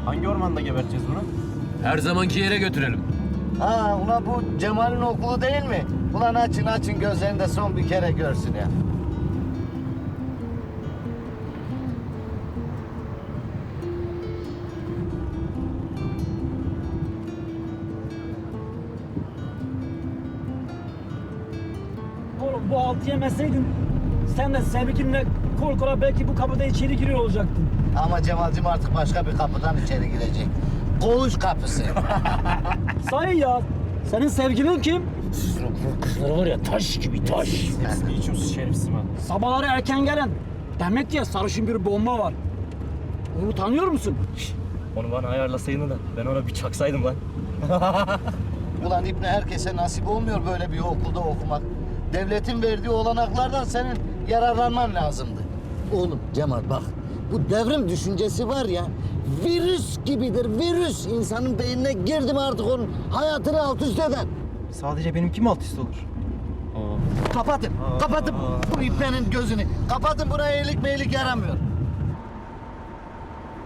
Hangi ormanda geberteceğiz bunu? Her zamanki yere götürelim. Ha ulan bu Cemal'in okulu değil mi? Ulan açın gözlerini de son bir kere görsün ya. Oğlum bu altı yemeseydin sen de sevgilimle kol kola belki bu kapıda içeri giriyor olacaktın. Ama Cemal'cim artık başka bir kapıdan içeri girecek. Koğuş kapısı. Sahi ya, senin sevgilin kim? Kızları var ya taş gibi taş. Hepsini içiyorsun şerefsiz mi? Sabahları erken gelen. Demek ki sarışın bir bomba var. Onu tanıyor musun? Onu bana ayarlasaydın da ben ona bir çaksaydım lan. Ulan İbni herkese nasip olmuyor böyle bir okulda okumak. Devletin verdiği olanaklardan senin yararlanman lazımdı. Oğlum Cemal bak, bu devrim düşüncesi var ya, virüs gibidir, virüs. İnsanın beynine girdi mi artık onun hayatını alt üst eder. Sadece benimki mi alt üst olur? Kapatın bu İbni'nin gözünü. Kapatın, buraya iyilik meylik yaramıyor.